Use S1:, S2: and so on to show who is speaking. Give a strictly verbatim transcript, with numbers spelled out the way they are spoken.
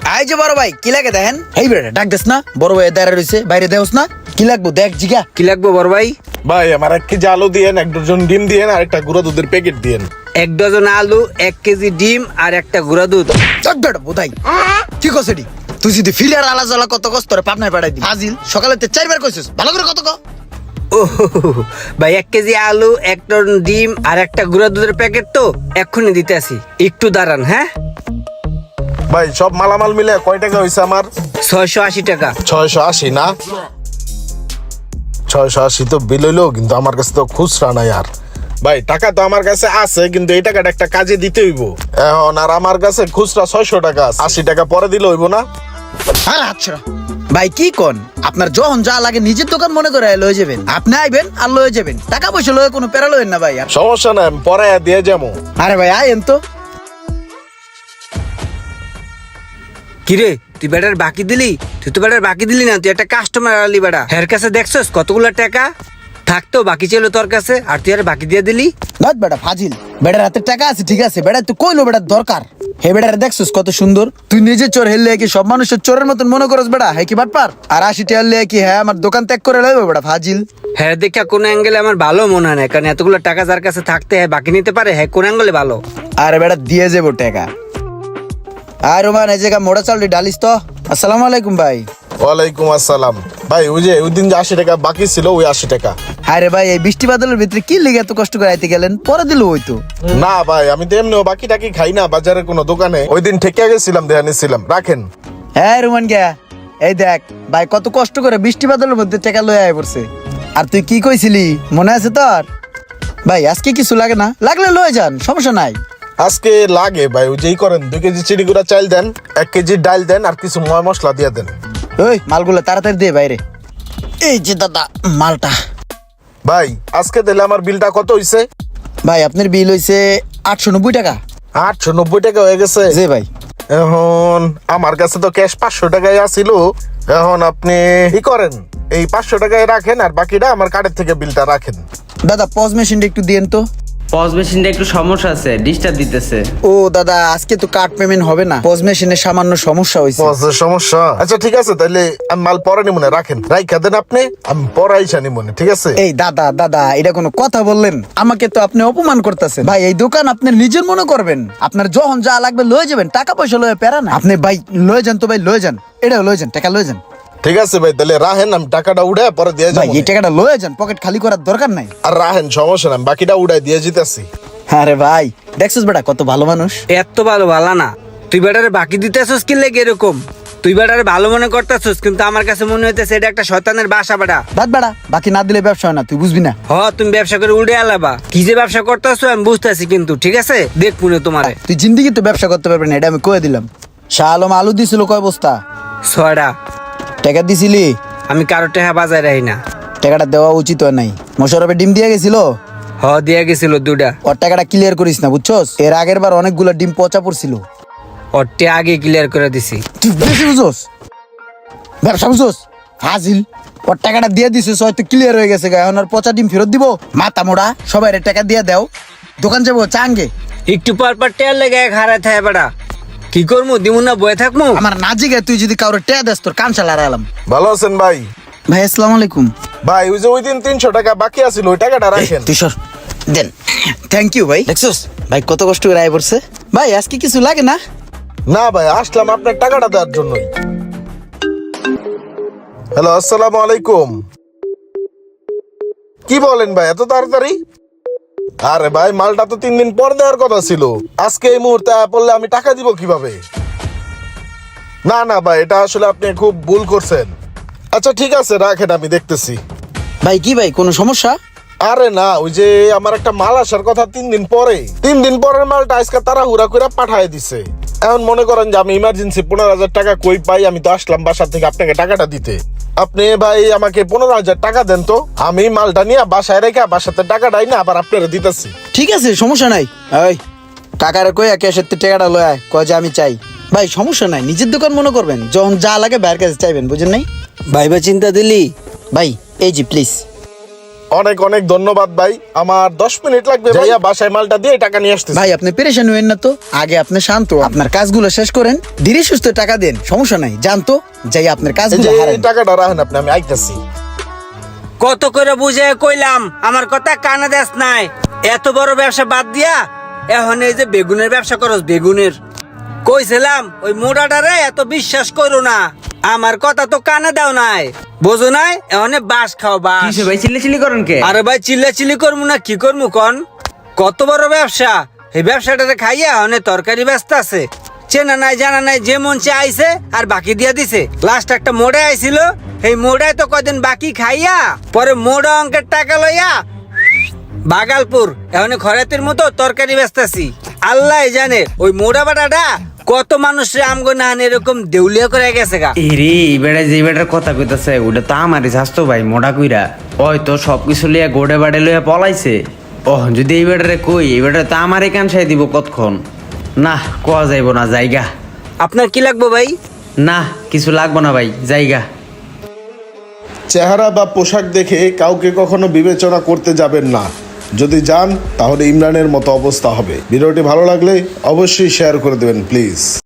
S1: I যে বড় ভাই কি লাগে দেখেন? এই বেটা ডাক দেস না, বড় ভাই দাঁড়া রইছে, বাইরে দেওস না। কি লাগবো দেখ জিগা।
S2: কি লাগবো বড় ভাই?
S3: ভাই আমার এক কেজি আলু দিয়েন, এক ডজন ডিম দিয়েন, আর একটা গুঁড়া দুধের প্যাকেট দিয়েন।
S2: এক ডজন আলু, এক কেজি ডিম আর একটা গুঁড়া দুধ।
S1: চক বেটা বোধাই কি কসেডি? তুই যদি ফিলার আলা জ্বালা কত কষ্ট করে পাবনায় পাঠাই দি হাজিল সকালে তে চারবার কইছিস, ভালো করে কত ক।
S2: ও ভাই, এক কেজি আলু, এক টন ডিম আর একটা গুঁড়া দুধের প্যাকেট তো এক্ষুনি দিতে আসি, একটু দাঁড়ান। হ্যাঁ
S3: ভাই সব মালামাল মিলে কয় টাকা হয়েছে আমার?
S2: ছয়শো আশি টাকা।
S3: ছয়শো আশি না? ছয়শো আশি তো বিল হইলো, কিন্তু আমার কাছে তো খুচরা নাই। আর ভাই টাকা তো আমার কাছে আছে, কিন্তু এই টাকাটা একটা কাজে দিতে হইব এখন। আর আমার কাছে খুচরা ছয়শো টাকা আছে, আশি টাকা পরে দিলে হইব না?
S1: আর আচ্ছা ভাই কি কোন, আপনার যখন যা লাগে নিজের দোকান মনে করে লয়ে যাবেন। আপনি আইবেন আর লয়ে যাবেন, টাকা পয়সা লয়ে কোনো প্যারা লয়েন না ভাই। আর
S3: সমস্যা নাই, আমি পরে দিয়ে যাবো।
S1: আরে ভাই আইন তো।
S2: কিরে তুই বেটার বাকি দিলি? তুই তো বেটার বাকি দিলি না, তুই একটা কাস্টমার আলি বেটা। হের কাছে দেখছস কতগুলো টাকা থাকতেও বাকি ছিল তোর কাছে, আর তুই আর বাকি দিয়ে দিলি।
S1: নট বেটা ফাজিল, বেটার হাতে টাকা আছে ঠিক আছে, বেটা তুই কইলো বেটার দরকার। হে বেটার দেখছস কত সুন্দর, তুই নিজে চোর হেললে কি সব মানুষের চোরের মতন মনে করস বেটা? হ্যাঁ কি বাটপার? আর আশি টাকা হলে কি হ্যাঁ আমার দোকান ত্যাগ করে লইব বেটা ফাজিল?
S2: হ্যাঁ দেখা কোন অ্যাঙ্গেলে আমার ভালো মনে হয় না, কারণ এতগুলো টাকা যার কাছে থাকতে হ্যাঁ বাকি নিতে পারে, হ্যাঁ কোন অ্যাঙ্গেলে ভালো।
S1: আরে বেটা দিয়ে যাবো টাকা। আর রোমান এই জায়গা মোড়া চাল ডালিস তো। আসসালামু আলাইকুম ভাই।
S3: ওয়ালাইকুম আসসালাম। ভাই ওই যে ওই দিন যে আশি টাকা বাকি ছিল, ওই আশি টাকা।
S1: আরে ভাই এই বৃষ্টি বাদলের ভিতরে কি লেগে এত কষ্ট করে আইতে গেলেন? পরে দিল ওই তো।
S3: না ভাই আমি তো এমনিও বাকি টাকি খাই না বাজারে কোনো দোকানে, ওই দিন ঠেকে গেছিলাম, দেয়া নিছিলাম, রাখেন।
S1: হ্যাঁ রোমান গিয়া এই দেখ ভাই কত কষ্ট করে বৃষ্টি বাদলের মধ্যে টাকা লয়ে আয় পড়ছে। আর তুই কি কইছিলি মনে আছে তোর? ভাই আজকে কিছু লাগে না, লাগলে লয়ে যান, সমস্যা নাই।
S3: আজকে লাগে ভাই, ওই যেই করেন দুই কেজি চিড়িগুড়া চাল দেন, এক কেজি ডাল দেন, আর কিছু ময় মশলা দিয়ে দেন।
S1: ওই মালগুলো তাড়াতাড়ি দিয়ে বাইরে। এই যে দাদা মালটা।
S3: ভাই আজকে দিলে আমার বিলটা কত হইছে?
S1: ভাই আপনার বিল হইছে আটশো নব্বই টাকা।
S3: আটশো নব্বই টাকা হয়ে গেছে।
S1: জি ভাই।
S3: এখন আমার কাছে তো ক্যাশ পাঁচশো টাকাই আসিল, এখন আপনি কি করেন, এই পাঁচশো টাকায় রাখেন, আর বাকিটা আমার কার্ডের থেকে বিলটা রাখেন।
S1: দাদা পজ মেশিনটা একটু দিয়েন তো।
S4: পজ মেশিনটা একটু সমস্যা আছে, ডিস্টার্ব দিতেছে।
S1: ও দাদা আজকে তো কার্ড পেমেন্ট হবে না, পজ মেশিনের সামান্য সমস্যা হয়েছে।
S3: বসের সমস্যা? আচ্ছা ঠিক আছে, তাহলে আমি মাল পরে নিব না, রাখেন, রাইখা দেন আপনি, আমি পরে আইসা নিব না, ঠিক আছে?
S1: এই দাদা দাদা এটা কোনো কথা বললেন? আমাকে তো আপনি অপমান করতেছেন ভাই। এই দোকান আপনি নিজের মনে করবেন, আপনার যখন যা লাগবে লয়ে যাবেন, টাকা পয়সা লয়ে পেরা না। আপনি ভাই লয়ে যান তো ভাই, লয়ে যান, এটা লয়ে যান, টাকা লয়ে যান।
S3: ঠিক আছে ভাই, তাহলে রাহেন, আমি টাকাটা উড়ে পরে দিয়ে
S1: ভাই
S3: যাবো।
S1: এই টাকাটা লয়ে যান, পকেট খালি করার দরকার নাই।
S3: আর রাহেন, সমস্যা নাই, বাকিটা উড়াই দিয়ে যেতেছি।
S1: আরে ভাই দেখছিস বেটা কত ভালো মানুষ।
S2: এত ভালো ভালো না, তুই বেটারে বাকি দিতে আসছিস কি লেগে এরকম? তুই বেটারে ভালো মনে করতেছিস, কিন্তু আমার কাছে মনে হইতেছে এটা একটা শয়তানের বাসা বেটা।
S1: বাদ বেটা, বাকি না দিলে ব্যবসা হয় না, তুই বুঝবি না।
S2: হ তুমি ব্যবসা করে উড়ে আলাবা, কি যে ব্যবসা করতেছো আমি বুঝতেছি, কিন্তু ঠিক আছে দেখ পুনে তোমারে।
S1: তুই জিন্দিগি তো ব্যবসা করতে পারবি না, এটা আমি কয়ে দিলাম। শাহ আলম আলু দিছিল কয় বস্তা?
S2: ছয়টা।
S1: টাকা দিছিলি?
S2: আমি কারো টাকা বাজায় রাখি না।
S1: টাকাটা দেওয়া উচিত হয় নাই। মোশারফে ডিম দিয়ে গেছিল,
S2: হ দিয়া গেছিল দুটা।
S1: ওর টাকাটা ক্লিয়ার করিস না বুঝছস? এর আগের বার অনেকগুলো ডিম পচা পড়ছিল।
S2: ওরটে আগে ক্লিয়ার করে দিছি।
S1: তুই বেশি বুঝছস, ব্যবসা বুঝছস হাজিল। ওর টাকাটা দিয়ে দিছিস, হয়তো ক্লিয়ার হয়ে গেছে, এখন আর পচা ডিম ফেরত দিব? মাথা মোড়া, সবাই টাকা দিয়ে দাও, দোকান যাবো চাঙ্গে।
S2: একটু পর পর টেয়ার লেগে হারায় থাকে বেটা, কি করবো দিমু না বয়ে থাকবো?
S1: আমার না জিগে তুই যদি কারোর টেয়া দেস তোর কান চালা আলাম।
S3: ভালো আছেন ভাই?
S1: ভাই আসসালামু আলাইকুম।
S3: ভাই ওই যে ওই দিন তিনশো টাকা বাকি আছিল, ওই টাকাটা রাখেন।
S1: তুই সর দেন। থ্যাংক ইউ ভাই। দেখছস ভাই কত কষ্ট করে আয় পড়ছে। ভাই আজকে কিছু লাগে না?
S3: না ভাই, আসলাম আপনার টাকাটা দেওয়ার জন্যই। হ্যালো, আসসালামু আলাইকুম। কি বলেন ভাই এত তাড়াতাড়ি? আরে ভাই মালটা তো তিন দিন পর দেওয়ার কথা ছিল, আজকে এই মুহূর্তে পড়লে আমি টাকা দিব কিভাবে? না না ভাই, এটা আসলে আপনি খুব ভুল করছেন। আচ্ছা ঠিক আছে রাখেন, আমি দেখতেছি।
S1: ভাই কি ভাই কোনো সমস্যা?
S3: আরে না, ওই যে আমার একটা মাল আসার কথা তিন দিন পরে, তিন দিন পরের মালটা আজকে তারা হুরা করে পাঠায় দিছে। এখন মনে করেন যে আমি ইমার্জেন্সি পনেরো হাজার টাকা কই পাই, আমি তো আসলাম বাসা থেকে আপনাকে টাকাটা দিতে। আপনি ভাই আমাকে পনেরো হাজার টাকা দেন তো, আমি মালটা নিয়ে বাসায় রেখে বাসাতে টাকাটাই না আবার আপনারা দিতেছি।
S1: ঠিক আছে সমস্যা নাই। ওই কাকারে কই ক্যাশের টাকাটা লয় আয়, কয় যে আমি চাই। ভাই সমস্যা নাই, নিজের দোকান মনে করবেন, যখন যা লাগে বাইরের কাছে চাইবেন, বুঝেন নাই?
S2: ভাইবা চিন্তা দিলি?
S1: ভাই এই জি প্লিজ।
S3: অনেক অনেক ধন্যবাদ ভাই, আমার দশ মিনিট লাগবে ভাইয়া, বাসায় মালটা দিয়ে টাকা নিয়ে আসতেছি।
S1: ভাই আপনি পেরেশান হইেন না তো, আগে আপনি শান্ত হন। আপনার কাজগুলো শেষ করেন, ধীরে সুস্থ টাকা দেন, সমস্যা নাই। জানতো যাই আপনার
S3: এই
S1: কাজগুলো
S3: যে
S1: হারান।
S3: এই টাকাটা রাখেন আপনি, আমি আইতাছি।
S2: কত করে বুঝে কইলাম আমার কথা কানে দেস নাই। এত বড় ব্যবসা বাদ দিয়া এখন এই যে বেগুনের ব্যবসা করস, বেগুনের কইছিলাম ওই মোড়াটারে এত বিশ্বাস করো না, আমার কথা তো কানে দাও নাই, বোঝো নাই? এখন বাস খাও বাস।
S4: কিসে ভাই চিল্লি চিল্লি করেন কে?
S2: আরে ভাই চিল্লা চিল্লি করবো না কি করবো কন? কত বড় ব্যবসা, এই ব্যবসাটারে খাইয়া অনেক তরকারি ব্যস্ত আছে, চেনা নাই জানা নাই, যে মন চে আইছে আর বাকি দিয়া দিছে। লাস্ট একটা মোড়ে আইছিল, এই মোড়ায় তো কদিন বাকি খাইয়া পরে মোড়া অঙ্কের টাকা লইয়া বাগালপুর এখন খরাতের মতো তরকারি ব্যস্তাছি। আল্লাহ জানে ওই মোড়া বাটাটা কত মানুষের আমগো না এরকম দেউলিয়া করে গেছে গা।
S4: এরে বেড়া যে বেটার কথা কইতাছে ওটা তো আমারই স্বাস্থ্য ভাই মোটা কইরা, ওই তো সবকিছু লিয়া গোড়ে বাড়ে লইয়া পলাইছে। ওহ যদি এই বেটারে কই, এই বেটারে তো আমারই কানসাই দিব কতক্ষণ। না কোয়া যাইব না, জায়গা।
S2: আপনার কি লাগবে ভাই?
S4: না কিছু লাগবো না ভাই, জায়গা।
S3: চেহারা বা পোশাক দেখে কাউকে কখনো বিবেচনা করতে যাবেন না, যদি যান তাহলে ইমরানের মতো অবস্থা হবে। ভিডিওটি ভালো লাগলে অবশ্যই শেয়ার করে দেবেন প্লিজ।